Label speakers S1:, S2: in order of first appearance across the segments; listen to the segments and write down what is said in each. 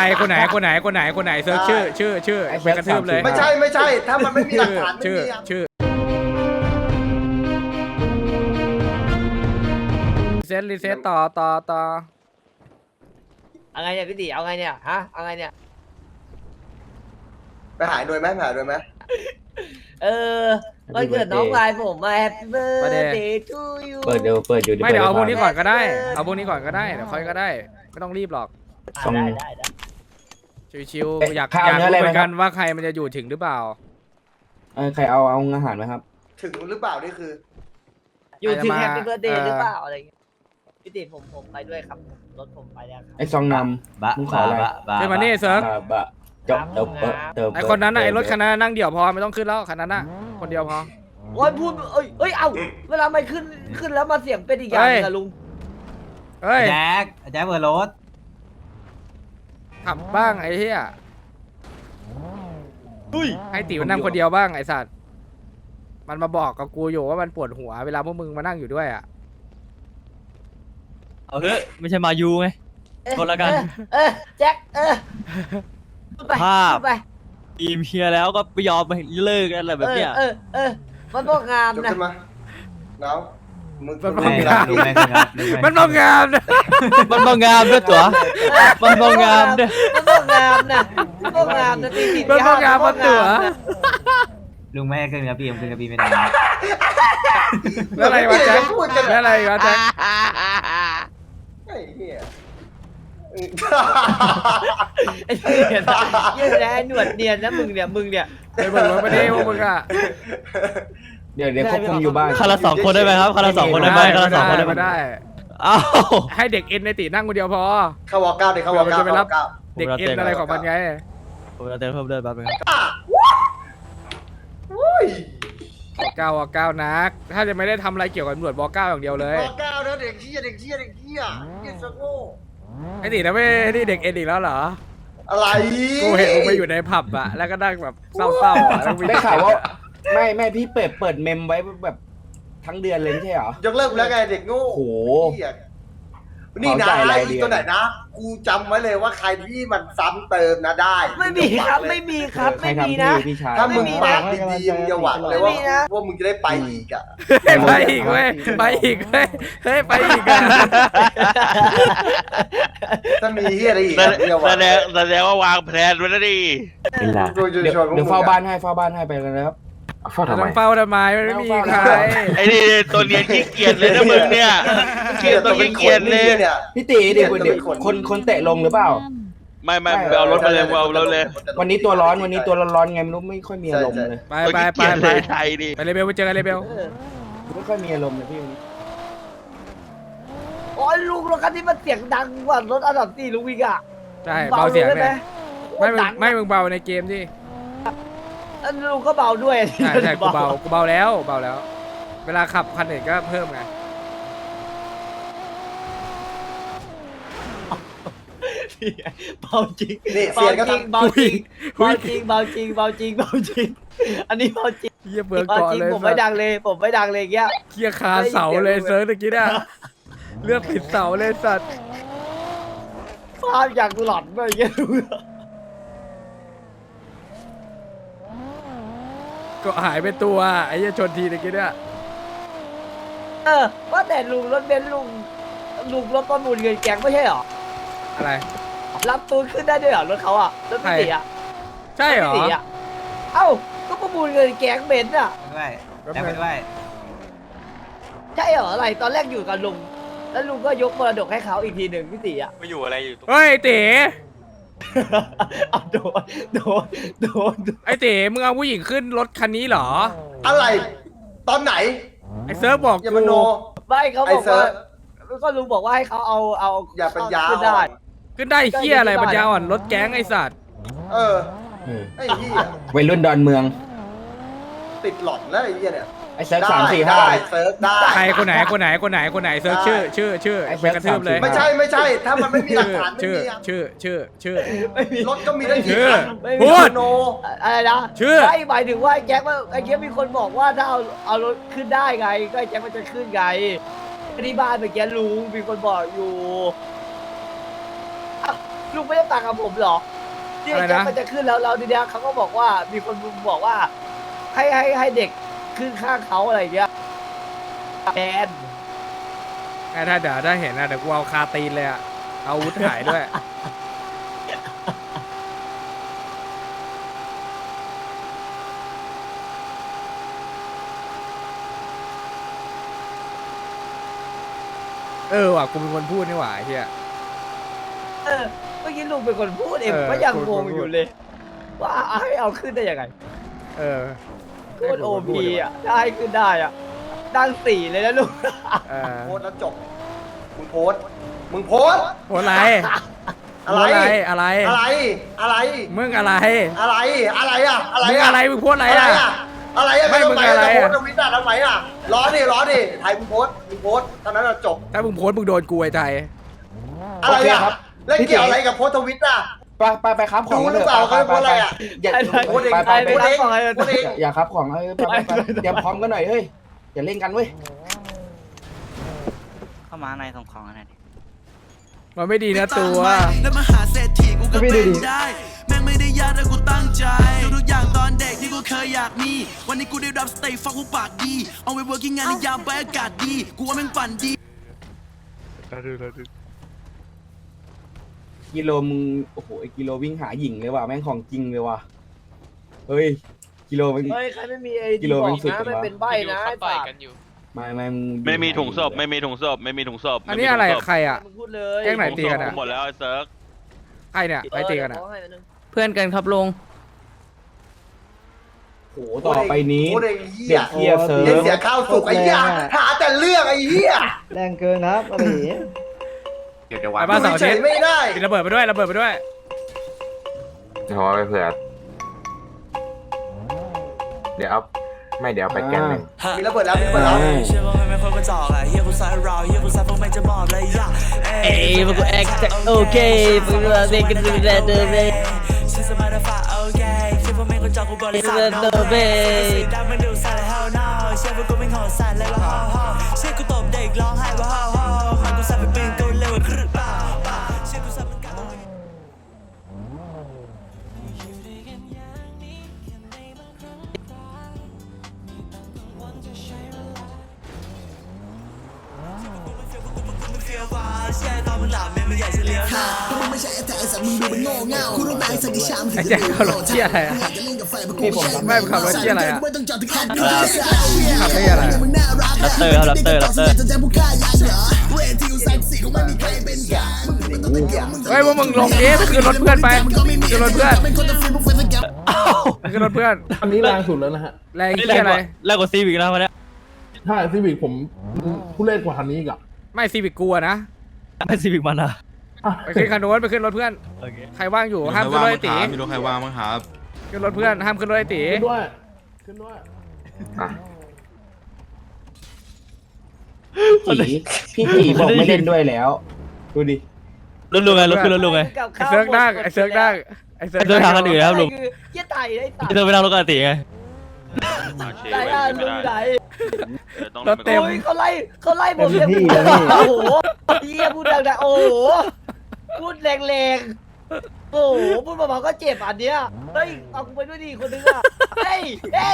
S1: รคนไหนเซิร์ชชื่อไปกระทืบเลย
S2: ไม่ใช่ถ้ามันไม่มีหลักฐานไม่
S1: ชื่อ
S2: มี
S1: ชื่อรีเซ็ตต่อ
S3: เอาไงเนี่ยพี่ติเอาไงเนี่ยฮะเอาไงเนี่ย
S2: ไปหายโดยไหม
S3: เออวันเกิดน้องชายผมมา Happy birthday to you
S4: เปิดเดี๋ยว
S1: ไม่เดี๋ยวเอาพวกนี้ก่อนก็ได้เดี๋ยวค่อยก็ได้ไม่ต้องรีบหรอก
S3: ได้
S1: ชิวๆอยากรู้เหมือนกันว่าใครมันจะอยู่ถึงหรือเปล่า
S4: ใครเอาอาหารไหมครับ
S2: ถึงหรือเปล่านี่คือ
S3: อยู่ถึง Happy birthday หรือเปล่าอะไรเงี้ยพี่ติผมไปด้วยครับรถผมไปแล้วครับ
S4: ไอ้ซองนำมึงขออะไร
S1: เดี๋ยวมานี่เซิร์ฟ
S4: บะจบเติม
S1: ไอคนนั้นน่ะไอรถคันนั้นนั่งเดี่ยวพอไม่ต้องขึ้นแล้วคันนั้นน่ะคนเดียวพอ
S3: โอ้ยพูดเอ้ยเอ้าเวลาไม่ขึ้นแล้วมาเสียงเป็นอีกอย่างนึงอะลุง
S1: เฮ้ย
S5: แจ็คเปิดรถ
S1: ขับบ้างไอ้เหี้ยให้ติ๋วนั่งคนเดียวบ้างไอ้สัตว์มันมาบอกกับกูอยู่ว่ามันปวดหัวเวลาพวกมึงมานั่งอยู่ด้วยอ่ะ
S5: เอาเถอะไม่ใช่มายูไง คนละกัน
S3: แจ็คพูดไป
S5: ภาพ
S3: พูดไป
S5: ทีมเฮียแล้วก็ไม่ยอมไปเลิกกันอะไรแบบเนี้ย
S3: มันบอกงาม
S2: จบ
S3: นะ
S2: ขึ้นมาน้องมึง
S1: มัน
S2: มึงมีหลัก
S5: ดู
S2: ฐาน
S5: แม่สิครับ
S1: มันบอกงามนะ
S5: มันบางงามด้วยตัวมันบางงามด้วย
S3: มันบอกงามนะมันบอกงามนะตีสี่
S1: มันบอกงามมันตัว
S5: ลุงแม่ขึ้นกระบี่ขึ้นกระบี่ไม่ได้
S1: แล้วอะไรวะแจ็คแล้วอะไรวะแจ็ค
S2: ไอ้เหี้ย
S3: ไอ้เหี้ยยืดแหนวดเนียนนะมึงเนี่ย
S1: ไอ้มึงไม่ได้พวกมึงอ่ะ
S4: เดี๋ยวควบคุมอยู่บ้าน
S5: คันละสองคนได้ไหมครับคันละสองคนได้ไหมคันละสองคนได้ไหม
S1: ไม่ได้
S5: อ้าว
S1: ให้เด็กเอ็นในตีนั่งคนเดียวพอ
S2: เข้าวอลเก้าเด็กเข้าวอลเก้า
S1: จะไปรับ
S2: เข้าวอลเก้า
S1: เด็กเอ็นอะไรของมันไง
S5: ผมจะเติมเพิ่มเลือดแป๊บนึง
S2: อุ้ย
S1: ก้าวนักถ้าจะไม่ได้ทำอะไรเกี่ยวกับตำรวจบอก9อย่างเดียวเลยว
S2: อลเก้านะเด็กเหี้ยเหี้ยสโง่
S1: ไอ้ตีนะไม่นี่เด็กเอ็นอีกแล้วเหรอ
S2: อะไร
S1: กูเห็นมึงไปอยู่ในผับอะแล้วก็นั่งแบบเศร้าๆอะแล้วมี
S4: ได้ข่าวว่าไม่พี่เปิดเมมไว้แบบทั้งเดือนเลยไม่ใช่เหรอ
S2: ยกเลิกแล้วไงเด็กโง่
S4: โอ้โห
S2: เหี้ยนี่นะ
S4: เข้าใจราย
S2: ไอ้
S4: เดือน
S2: ตัวไหนนะ กูจำไว้เลยว่าใครที่มันซ้ำเติมนะได้
S3: ไม่มีครับไม่มีครับ
S4: ใคร
S3: ไม่มี
S4: ทำ
S3: นะ
S4: พี่ชาย
S2: ถ้ามึง
S3: ไม่มี
S2: ปา
S3: นะ
S2: กดีๆมึงจะหวังเลยว่า
S3: ไม่มีนะ
S2: ว่ามึงจะได้ไปอีกอ่ะ
S1: ไปอีกเว้ยไปอีกเว้ยเฮ้ยไปอีกอะ
S2: ถ้ามีเฮียอะไรอีกอะมึงจะหวัง
S6: แสดงว่าวางแผนไว้แล้วดิ
S2: กูจะ
S4: เดี๋ยว
S2: ชวนพวกมึง
S4: เฝ้าบ้านให้ไปเลยนะครับเฝ้าทำไม
S1: ต้องเฝ้าทำไมมันไม่มีใคร
S6: ไอ้นี่ตัวเนียนขี้เกียจเลยนะมึงเนี่ย
S2: เกียรตัวเป็นคนนี่เนี่ย
S4: พี่ตีเดี๋ยวคนเตะลงหรือเปล่า
S6: ไม่เอารถมาเลยเอารถเลย
S4: วันนี้ตัวร้อนไงไม่รู้ไม่ค่อยมีอารมณ์เลย
S1: ไป
S6: ขี้เกียจเลยไทยดิ
S1: ไปเลยเบลไปเจอกันเลยเบล
S4: ไม่ค่อยมีอารมณ์เลยพี่วันนี้
S3: โอ้ยลุงรถคันนี้มันเสียงดังกว่ารถอันดับสี่ลุงอีกอ่ะ
S1: ใช่เบาเสียง
S3: ได้ไหม
S1: เนี่ยไม่มึงเบาในเกมที่
S3: อันลุงก็เบาด้วย
S1: ใช่กูเบาแล้วเวลาขับคันอื่นก็เพิ่มไง
S3: เบาจริง
S2: นี่
S3: เบา
S2: เสียงก็
S3: จริง
S2: ทำ
S3: เบาจริงเบาจริงเบาจริงเบาจริงเบาจริงอันนี้เบาจริง
S1: เฮียเบิร์ก
S3: เบา
S1: ก่อน
S3: จริง
S1: เลย
S3: ผมไม่ดังเลยอย่างเงี้ย
S1: เฮียคาเสาเลยเซิร์ฟตะกี้เนี่ยเลือดติดเสาเลยสัตว์
S3: ภาพอย่างหลอนไปอย่างเงี้ย
S1: ก็หายไปตัวไอ้เหี้ยชนทีตะกี้เนี่ย
S3: ว่าแต่ลุงรถเบนซ์ลุงรถประมูลเงินแกงไม่ใช่เหรอ
S1: อะไร
S3: รับตูนขึ้นได้ด้วยเหรอรถเขาอ่ะรถพี่ตีอ่ะ
S1: ใช่เหรอ
S3: พี่ตีอ่ะเอ้าก็ประมูลเงินแกงเบนซ์อ่ะ
S5: ด้วยแจ็คไปด้วย
S3: ใช่เหรออะไรตอนแรกอยู่กับลุงแล้วลุงก็ยกมรดกให้เขาอีกทีหนึ่งพี่ตีอ่ะ
S6: มาอยู่อะไรอยู่ตรง
S1: เฮ้ยเต๋
S3: เอาโดน
S1: ไอ้เต๋มึงเอาผู้หญิงขึ้นรถคันนี้เหรอ
S2: อะไรตอนไหน
S1: ไอ้เซิร์ฟบอก
S2: อย่า
S1: กู
S2: มาโน
S3: ไม่เขา
S2: ไอ้
S3: บอก
S2: เซิ
S3: ว่า
S2: ร์ฟ
S3: ก็ลุงบอกว่าให้เขาเอา
S2: อย่าเป็นยาว
S3: ขึ้นได้
S1: ขึ้นได้เฮียอะไรปัญญาอ่อนรถแก๊งไอ้สัตว์
S2: เออ
S4: เออ
S2: ไอ้เหี้ย
S4: วัยรุ่นดอนเมือง
S2: ติดหลอนแล้วไอ้เหี้ยเนี่ย
S4: ไอ้เซิร์ฟ
S2: ได้
S4: 3 4
S2: ได้
S4: 5
S2: เซิร์ฟได้
S1: ใครคนไหนเซิร์ฟชื่อ
S4: ไอ้
S1: ไปกระทืบเลย
S2: ไม่ใใช่ ถ้ามันไม่มีหลักฐานไม่
S1: ชื่อ
S2: มีอะ
S1: ชื่อ
S3: ไม่มี
S2: รถก็มีได้
S1: ชื่
S2: กี่
S1: อ
S2: คัน
S3: ไม่
S1: พู
S3: มี
S1: ด
S2: โน
S3: อะไรนะ
S1: ชื่อ
S3: ไม่หมายถึงว่าแจ็คว่าไอ้แจ็คมีคนบอกว่าถ้าเอารถขึ้นได้ไงก็ไอ้แจ็คมันจะขึ้นไงที่บ้านเมื่อกี้ลุงมีคนบอกอยู่ลุงไม่ได้ต่างกับผมเหรอที่ไอ้แจ็คมันจะขึ้นแล้วทีเนี้ยเขาก็บอกว่ามีคนบอกว่า ให้เด็กขึ้นข้างเขาอะไรอย่างเงี้ยแทน
S1: ไอ้ถ้าเดี๋ยวถ้าเห็นนะเดี๋ยวกูเอาคาตีนเลยอะเอาอาวุธหายด้วย ว่ะกูเป็นคนพูดนี่หว่าไอ้เฮีย
S3: เมื่อกี้ลุงเป็นคนพูดเองผมก็ยังงงอยู่เลย ว่าให้เอาขึ้นได้ยังไง พูดโอพีอ่ะได้ขึ้นได้อ่ะตั้ง4เลยนะลุง
S2: โพสต์แล้วจบมึงโพสต์
S1: โหอะไร
S2: อะไร
S1: อะไร
S2: อะไร
S1: มึงอะไร
S2: อะไรอะอะไร
S1: มึง
S2: อะ
S1: อะไรมึงพูดอะไร
S2: อะไร
S1: อะ
S2: อะอะไรอะ
S1: ไม่มึงอะไรอะ
S2: โพสต์ทวิตอะทำไมอะร้อนดิถ่ายมึงโพสต์เท่านั้นอะจบ
S1: ถ้ามึงโพสต์มึงโดนกูไอ้ใจ
S2: อะไร
S4: โอเค
S2: อะ
S4: ครับ
S2: แล้วเกี่ยวอะไรกับโพสต์ทวิตอะ
S4: ไปครับของ
S2: ดูหรือเปล่าเขาโพสต์อะไรอะ
S4: อย่า
S2: โพสต์เอง
S4: ไป
S2: โพสต์เองโพสต์เอง
S4: อย่าครับของไปเตรียมพร้อมกันหน่อยเฮ้ยอย่าเล่นกันเว้ย
S5: เข้ามาในส่งของอะไรดิ
S1: มันไม่ดีนะตัว
S7: แล้วมาหาเศรษฐีกูก็เป็นได้ แม่งไม่ได้ยากแต่กูตั้งใจทุกอย่างตอนเด็กที่กูเคยอยากมี วันนี้กูได้รับสเตย์ฟักกูปากดี เอาไว้ working งานในยามไปอากาศดี กูว่าแม่งฝันดี
S4: กิโลมึงโอ้โหไอ้กิโลวิ่งหาหญิงเลยว่ะแม่งของจริงเลยว่ะเฮ้ยกิโลมัน
S3: เฮ้ยใครไม่มีไอ้
S4: กิโล
S3: บอก
S4: แม่งสุด
S3: นะ
S4: จังวะ
S3: ไม่เป็นใบนะไอ้ปาก
S4: ไม่มึง
S6: ไม่มีถุงศพ
S1: อันนี้อะไรใครอะ
S3: มึงพูดเลย
S1: แกล้งไหน ตีกันอะ
S6: หมดแล้วไอ้เซิร์ก
S1: ใครเนี่ยใครตีกันอะ
S3: ขอให้อันนึง
S5: เพื่อนกันครับลุง
S4: โหต่อไปนี้
S2: โพสต์เองเหี้
S4: เด็
S2: ย
S4: กเฮียเซิร์
S2: เล่น
S4: ฟ
S2: เสียข้าวสุกไอ้เหี้ยหาแต่เรื่องไอ้เหี้ย
S8: แรงเกินครับอะไรอย่างเงี้ย
S1: ไปบ้านเสาร์อา
S2: เฉ
S1: ทิต
S2: ย
S1: ย์
S2: ไม่ได้
S1: ระเบิดไปด้วยระเบิดไปด้วย
S9: เดี๋ยวเอาไปเผื่อ เดี๋ยวเอาไม่เดี๋ยวเอาไปแกนหนึ่ง
S2: มีระเบิดแล้ว
S7: เชื่อว่าไม่ค่อยกระจอกอะเฮียกูใส่เราเฮียกูใส่พวกแม่งจะมอบเลยอะ
S5: เอ้ยมันกูแอคโอเคมึงเล่นกันดูแลเดิมเลย
S7: ฉันสบายแต่ฝ่าโอเคเชื่อว่าไม่กระจอกกูบริษัท
S5: เดินเบ้
S7: สีดำมันดูใส่แล้ว hell no เชื่อว่ากูเป็นของสั่นเลยว่าฮ่าฮ่าเชื่อกูตบเด็กร้องไห้ว่าฮ่าฮ่ามันกูใส่เป็นปืนกูเร็วกว่าครึ่งป่าเชื่อกูใส่เป็นการ ก็มึงไม่ใช่แต่ไอ้สัตว์มึงดูเป็นโง่เง่าคุณต้องตายสักกี่ชาม
S1: ไอ้แจ็คขับรถเชี่ยอะไรอะ
S4: นี่ผม
S1: ไม่ขับรถเชี่ยอะไรอะ
S7: ไม่ต้องจอดที่ขับ
S1: ขับได้อะไรอะ
S7: มึงน่ารัก
S5: ลัตเตอร์ครับลัตเตอร์
S7: จะแจ้งผู้ฆ่ายักษ์เหรอเวทีกูแซ็กซี่คงไม่มีใครเป็นกลางมึงไม่ต้องเป็นแกม
S1: เฮ้ยพวกมึงลงดิไปขึ้นรถเพื่อนไปขึ้นรถเพื่อน
S7: เป็นคนจะฟรีพวกเฟนแกม
S1: ไปขึ้นรถเพื่อน
S8: อันนี้แรงสุดแล้วนะฮะ
S1: แรงที่อะไร
S5: แรกกว่าซีวิกนะวันนี้
S8: ถ้าซีวิกผมผู้เล่นกว่าคันนี้อีกอะ
S1: ไม่ซีวิกกลัวนะ
S5: ไม่ซีวิกมันอ่ะ
S1: ไปขึ้นคันโน้นไปขึ้นรถเพื่อน
S5: โอเค
S1: ใครว่างอยู่ห้ามขึ้นรถไอ้ตี
S9: มีรถใครว่างมั้งครับ
S1: ขึ้นรถเพื่อนห้ามขึ้นรถไอ้ตี
S8: ขึ้นด้วยขึ้นด้วย
S9: อ่ะ
S4: พี่จีบอกไม่เล่นด้วยแล้วดูดิ
S5: รถลุงไงรถขึ้นรถลุงไง
S1: ไอ้เซิร์กนั่งไอ้เซิร์กนั่งไอ้เซิร์ก
S5: ไอ้เซิร์กทางกันอื่นนะครับลุง
S3: คือเหี้ยไต่ไอ้สัต
S5: พี่
S3: ว์
S5: เธอไปนั่งรถกันตีไง
S3: ไหนอ่ะลุงไหน
S1: รถเต็ม
S3: โอ้ยเขาไล่ผมเลยโอ้โหเหี้ยพูดดังๆโอ้โหพูดแรงๆโอ้โหพูดเบาๆก็เจ็บอันเนี้ยเฮ้ยเอากูไปด้วยดิคนนึงอ่ะเฮ้ย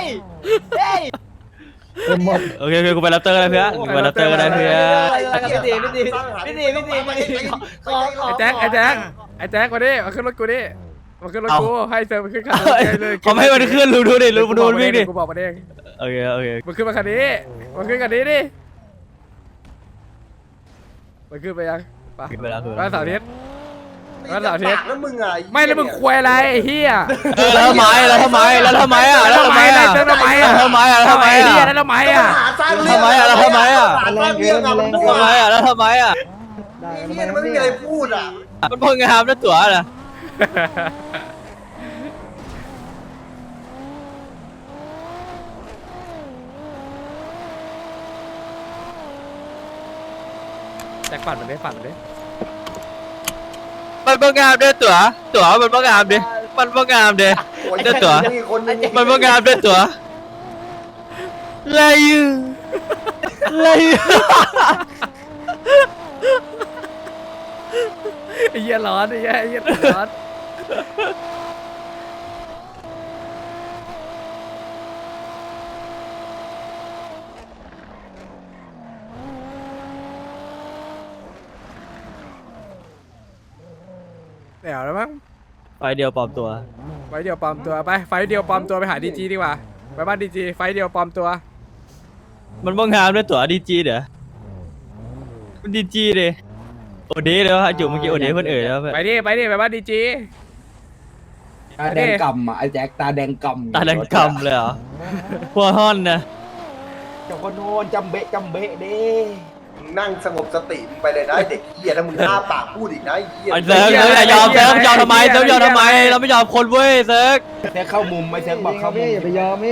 S5: โอเคกูไปรับเตอร์ก็ได้เพื่อนกูไปรับเตอร์ก็ได้เพื่อน
S3: พี่ตีขอ
S1: ไอ้แจ็คมาดิมาขึ้นรถกูดิมาขึ้นรถกูให้เซิร์กมาขึ้นคันนี้เลย
S5: เขาไม่ให้มันขึ้นลุงดูดิลุงดูมันวิ่งดิ
S1: กูบอกมาเอง
S5: โอเค
S1: มาขึ้นมาคันนี้มาขึ้นคันนี้ดิมาขึ้นไปยังไป
S5: ขึ้นไปแล้วคือ
S1: บ้านเสาร์อาทิตย์
S2: แล้วมึงอะ
S1: ไม่แล้วมึงควยอะไรไอ้เฮีย
S5: แล้วทำไมอ่ะแล้วทำไมอ่ะ
S1: แล้วทำไมอ่ะ
S5: แล้วทำไมอ่ะ
S1: แล้วทำไมอ่ะ
S5: แล้วทำไมอ่ะ
S1: ทำไมอ่ะ
S2: หาสร้างเรื่อง
S5: ทำไมอะแล้วทำไมอะ
S2: หาสร้างเรื่องอะมึง
S5: ทำไมอ่ะแล้วทำไมอ่ะ
S8: ได้
S2: ไอ้เหี้ยมันไม่มีอะไรพูดอ่ะ
S5: มันพงงามนะตั๋วน่ะ
S1: แจ็คปั่นมันดิปั่นมันดิ
S5: มันพงงามด้วยตั๋วมันพงงามดิมันพงงามดิ
S2: โอ้ย
S5: เจ้าตัว
S2: มีคนนึง
S5: มันพงงามด้วยตั๋วไรอยู่ไรอยู่
S1: ไอ้เหี้ยร้อนไอ้เหี้ยร้อนเดี๋ยวแล้วมั้ง
S5: ไฟเดียวปลอมตัว
S1: ไฟเดียวปลอมตัวไปไฟเดียวปลอมตัวไปหาดีจีดีกว่าไปบ้านดีจีไฟเดียวปลอมตัว
S5: มันบ้างงามด้วยตัวดีจีเด้อมันดีจีดิโอเดย์เลยวะจุ๋มเมื่อกี้โอเดย์เพื่อนเอ๋ยแล้วเพื่อน
S1: ไปดิไปบ้านดีจี
S4: ตาแดงกำอ่ะไอ้แจ็คตาแดงกำ
S5: ตาแดงกำเลยเหรอหัวห้อนนะ
S4: เจ้าคนโน้นจำเบะเด้
S2: มึงนั่งสงบสติมึงไปเลยนะไอ้เด็กเหี้ยถ้ามึงอ้าปากพูดอีกนะไอ้เหี้ย
S5: ไอ้เซิร์ฟอย่ายอมเซิร์ฟยอมทำไมเซิร์ฟยอมทำไมเราไม่ยอมคนเว้ยเซิร์ฟ
S4: เซิร์ฟเข้ามุมไม่เซิร์ฟบอกเข้ามุม
S3: อย่าไปยอมพี่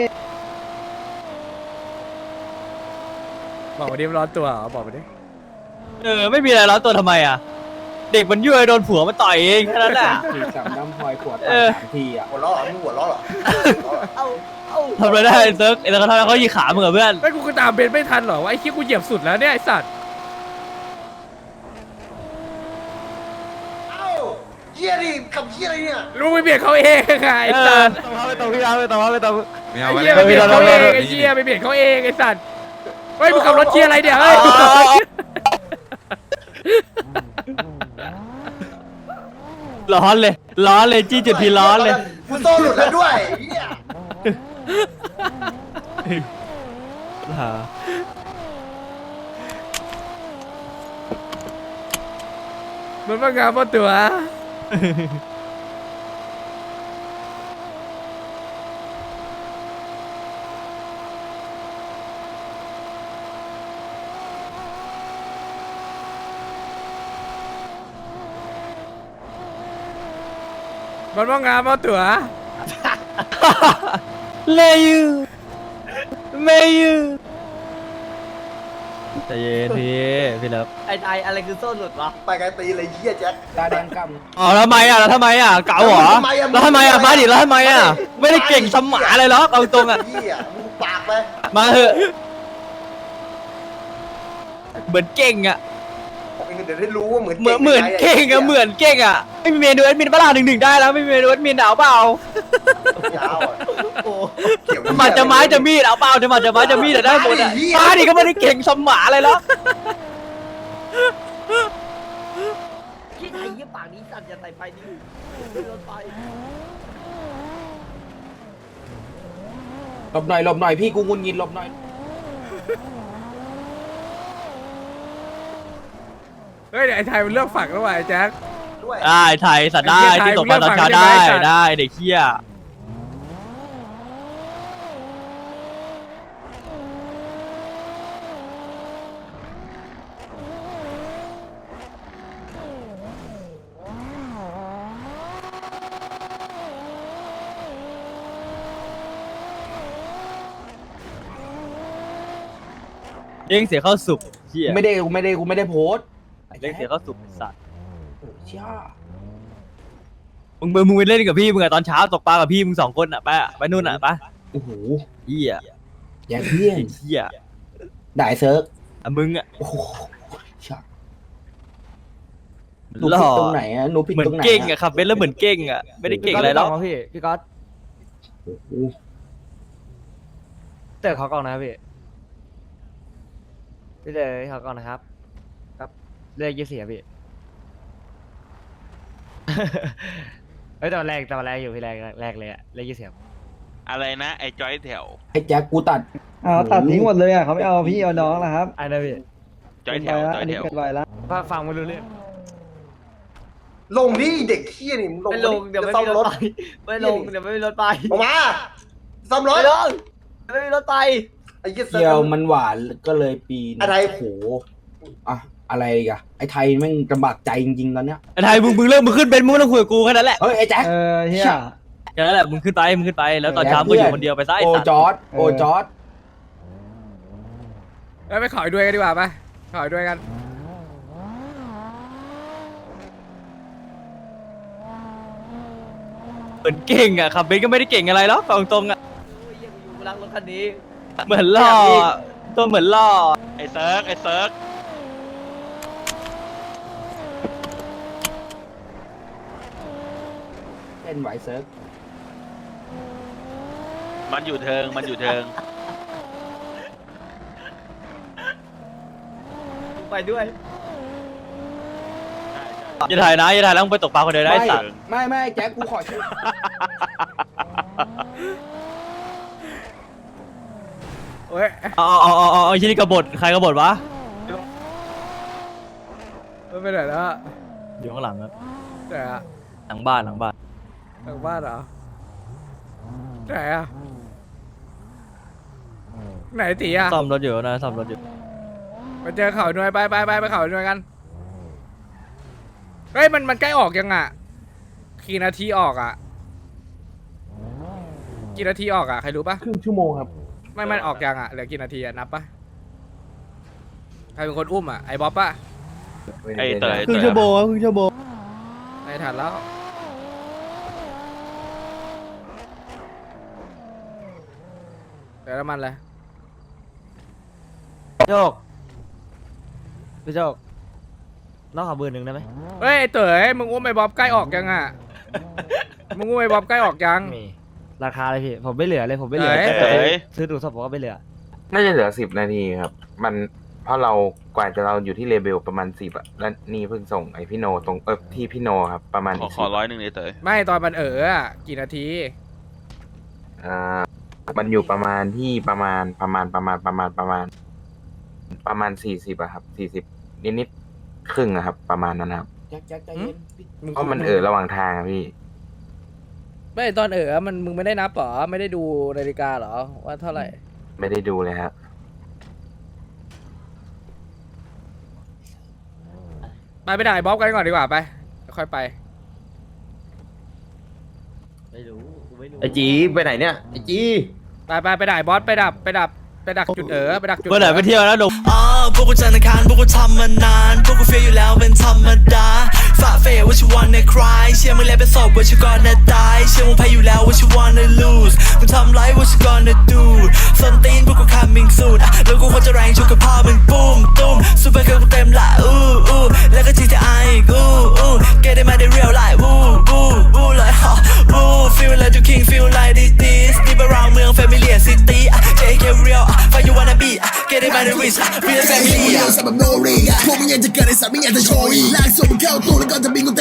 S1: บอกมาดิมันร้อนตัวเหรอบอกมาดิ
S5: ไม่มีอะไรแล้วตัวทำไมอ่ะเด็กมันยั่วโดนผัวมันต่อยเองแค่นั้นแหละ
S4: สี่สามน้ำพลอยขวด 3 ทีอ่ะ
S2: หัวเราะเหรอมึงหัวเราะเหรอ
S5: ทำอะไรได้เซิร์ฟไอ้เซิร์ฟเขาทำเขายีขามึงกับเพื่อน
S1: ไอ้กูก็ตามเบนไม่ทันหรอวะไอ้ขี้ยกูเหยียบสุดแล้วเนี่ยไอ้สัตว์
S2: เอ้าเหี้ยดิกับเหี้ยอะไรเนี่ย
S1: ลูกไปเบียดเขาเองไงไอ้สัตว์
S5: ไม่ต้องพี่ร้านไม่ต้อง
S1: ไอ้เหี้ยไปเบียดเขาเองไอ้เหี้ยไปเบียดเขาเองไอ้สัตว์เฮ้ยมึงขับรถเชียร์อะไรเนี่ยเฮ้ย
S5: ร้อนเลยจี้จุดทีร้อนเลย
S2: กูโซ่หลุดแล้วด้วยเหี้ย
S1: มันว่างามเพราะตัว มันว่างามเพราะตัว
S5: เลยูเมยูใจเย็นพี่เลิฟ
S3: ไอ้อะไรคือโซ่หลุดวะ
S2: ไปไกลตีเลยเหี้ยแจ็ค
S4: ตาแดงก
S5: อ๋อแล้วทำไมอ่ะเก๋าเหรอแล้วทำไมอ่ะมาดิแล้วทำไมอ่ะไม่ได้เก่งสมหมาเลยหรอกเอาตรงอ่ะ
S2: เหี้ยมึงปากไป
S5: มาเถอะเหมือนเก่งอ่ะ
S2: เดี๋ยวได้รู้ว่าเหมือน
S5: เหมือนเก่งอ่ะเหมือนเก่งอ่ะไม่มีเมนูแอดมินบ้า1-1ได้แล้วไม่มีเมนูแอดมินเอาเปล่า
S2: ยาวอ่ะ
S3: โอ้
S2: เกี่ยว
S5: จะมาจะไม้จะมีดเอาเปล่าจะมาจะไม้จะมีดได้หมดอ่ะมาดิก็ไม่ได้เก่งสมหมาเลยหรอก
S3: ที่ไทยยี่ปากนี้สั่นอย่าใส่ไฟนี่รถไฟ
S4: ำหลบหน่อยพี่กูงุนงินหลบหน่อย
S1: เฮ้ยเดี๋ยวไอ้ไทยมันเลือกฝักแล้วว่ะไอ้แจ็ค
S2: ด้วย
S5: ได้ไทยสัตว์ได้
S1: ไอ้เหี้ย
S5: ที่ตกปลาตอนเช้า
S1: ไทย
S5: ได้
S1: มึงเลือกฝั่งได้ไหม
S5: ได้เด็กเหี้ยเลี้ยงเสียเข้าสุกเหี้ย
S4: กูไม่ได้โพสต์
S5: เลี้ยงเสียเข้าสุกไอ้สัตว์
S4: โอ้เชี่ย
S5: มึงไปเล่นกับพี่มึงอะตอนเช้าตกปลากับพี่มึง2 คนอะไปนู่นอะไป
S4: โอ้โห
S5: เหี้ย
S4: แย่เพี้ยน
S5: เหี้ย
S4: ได้เซิร์ฟ
S5: อะมึงอะ
S4: โอ้โหเชี่ยหนู
S5: หล่
S4: ผิด
S5: อ
S4: ตรงไหนอ่ะหนูผิด
S5: เหมือน
S4: ตรงไหน
S5: เก่งอะขับเบนซ์แล้วเหมือนเก่งอะไม่ได้เก่งอะไรหรอก
S3: พี่ก๊อต
S4: โอ้โห
S3: เต๋อเขากล่องนะครับพี่เต๋อเขากล่องนะครับครับเลข24ครับพี่ เฮ้ยตอนแรกอยู่พี่แรกเลยอะเลข20ครับ
S6: อะไรนะไอ้จอยแถว
S4: ไอ้แจ็คกูตัด
S10: ตัดทิ้งหมดเลยอ่ะเขาไม่เอาพี่เอาน้องแล้วครับ
S3: ไอ้นะพี่
S6: จอยแถวจอย
S10: อัน
S6: แถ
S10: นี้
S6: ว
S10: เกินไปแล้ว
S3: ฟังไม่รู้เรื่อง
S2: ลงนี่เด็กเหี้ยนี่มึงลง
S3: ไม่ลงเดี๋ยวไม่
S2: ซ่อ
S3: มี
S2: ม
S3: ร
S2: ร
S3: ถ
S2: ถ
S3: ไปไม่ลงเดี๋ยวไม่มีรถไป
S2: ออกมาซ่อมรถ
S3: ไม่ลงไม่มีรถไป
S2: ไอ้เหี้ย
S4: เที่ยวมันหวานก็เลยปีน
S2: อะไร
S4: โอ้โหอ่ะอะไรอีกอะไอ้ไทยแม่งลำบากใจจริงๆตอนเนี้ย
S5: ไอ้ไทยมึงเริ่มมึงขึ้นเบนซ์มึงไม่ต้องคุยกับกูแค่นั้นแหละ
S4: เฮ้ยไอ้แจ็ค
S10: เฮีย
S5: แค่นั้นแหละมึงขึ้นไปแล้วตอนเช้ามึงอยู่คนเดียวไปซะไอ้
S4: โอ
S5: สัตว์
S4: จอร์ดโอจอร์ด
S1: แล้วไปขออีกด้วยกันดีกว่าไปขออีกด้วยกัน
S5: เหมือนเก่งอะขับเบนซ์ก็ไม่ได้เก่งอะไรหรอกเอาตรงๆอะ
S3: โอ้ยยังอยู่กูรักรถคันนี้
S5: เหมือนล่อตัวเหมือนล่อ
S6: ไอ้เซิร์ก
S4: เป็นไหวเซิร์ฟ
S6: มันอยู่เทิง มันอยู่เทิง
S3: ไปด้วย
S5: อย่าถ่ายนะอย่าถ่ายแล้วมึงไปตกปลาคนเดียวได้ไอ้สัตว์
S4: ไม่แจ็คกูขอช่วย
S1: เฮ้ย
S5: เอาชิ้นนี้กบฏใครกบฏวะ
S1: มันไปไหนแล้วอะ
S5: อยู่ข้างหลังครับ
S1: ไหนอะ
S5: หลังบ้านหลังบ้าน
S1: หลังบ้านเหรอไหนอะไหนตีอะ
S5: ซ่อมรถอยู่นะซ่อมรถอยู่
S1: ไปเจอเขาหน่วยไปเขาหน่วยกันเฮ้ยมันใกล้ออกยังอะกี่นาทีออกอะกี่นาทีออกอะใครรู้ปะ
S8: ครึ่งชั่วโมงครับ
S1: ไม่มันออกยังอะเหลือกี่นาทีอะนับปะใครเป็นคนอุ้มอะไอ้บ๊อบปะ
S6: ไอ้เต๋อ
S5: ครึ่งชั่วโมงครึ่งชั่วโมง
S1: ไม่ทันแล้วเดี๋ยวน้ำมันเลย
S3: โจกพี่โจกน้องขอเบอร์หนึ่งได้ไหม
S1: เฮ้ยไอ้เต๋อมึงอุ้มไอ้บ๊อบใกล้ออกยังอะมึงอุ้มไอ้บ๊อบใกล้ออกยัง
S3: มีราคาเลยพี่ผมไม่เหลือเลยผมไม่เหลือ
S1: เอ้ย
S6: เต๋อ
S3: ซื้อดูสปอร์ตก็ไม่เหลือ
S9: น่าจะเหลือ10 นาทีครับ มันเพราะเรากว่าจะเราอยู่ที่เลเบลประมาณ10อะแล้วนี่เพิ่งส่งไอพี่โนตรงที่พี่โนครับประมาณ
S6: ขอ100เลยเต๋อ
S1: ไม่ตอนมันอะกี่นาที
S9: มันอยู่ประมาณที่ประมาณ40อะครับ40นิดๆครึ่งอะครับ ประมาณนั้นครับ
S4: แจ็คใจเย็น
S9: เพราะมันระหว่างทางอะพี่
S1: ไม่ตอนมึงไม่ได้นับเหรอไม่ได้ดูนาฬิกาเหรอว่าเท่าไหร่
S9: ไม่ได้ดูเลยครับ
S1: ไปด่าไอ้บ๊อบกันก่อนดีกว่าไปค่อยไป
S3: ไม่รู้กูไม่รู้
S2: ไอจีไปไหนเนี่ยไอจี
S1: ไปด่าไอ้บอสไปดักจุดไปดักจุด
S5: เมื่อไหร่ไปเที่ยวแล้วดง
S7: พวกกูจันทร์อังคารพวกกูทำมานาน พวกกูเฟียอยู่แล้วเป็นธรรมดาฝ่าเฟยว่าชิวันในคลายเชื่อมึงแล้วเป็นศพว่าชิวก่อนนะตายเชื่อมึงแพ้อยู่แล้วว่าชิวันใน lose มึงทำไรว่าชิก่อนนะดูส้นตีนพวกกู coming soon แล้วกูควรจะแรงชุกกับพ่อมึงปุ้มตุ้มซูเปอร์เกิร์ลกูเต็มละแล้วก็ GTI อีกget it มาได้ real life like feel like you king feel like this deep around เมือง family and city JK real find you wanna be get it by the wrist real family
S11: สับแบบโนรีพวกมึงยังจะเกิดในสัตว์ไม่อยากจะโชยลากส่งมึงเข้าตู้แล้วก็จะบินกู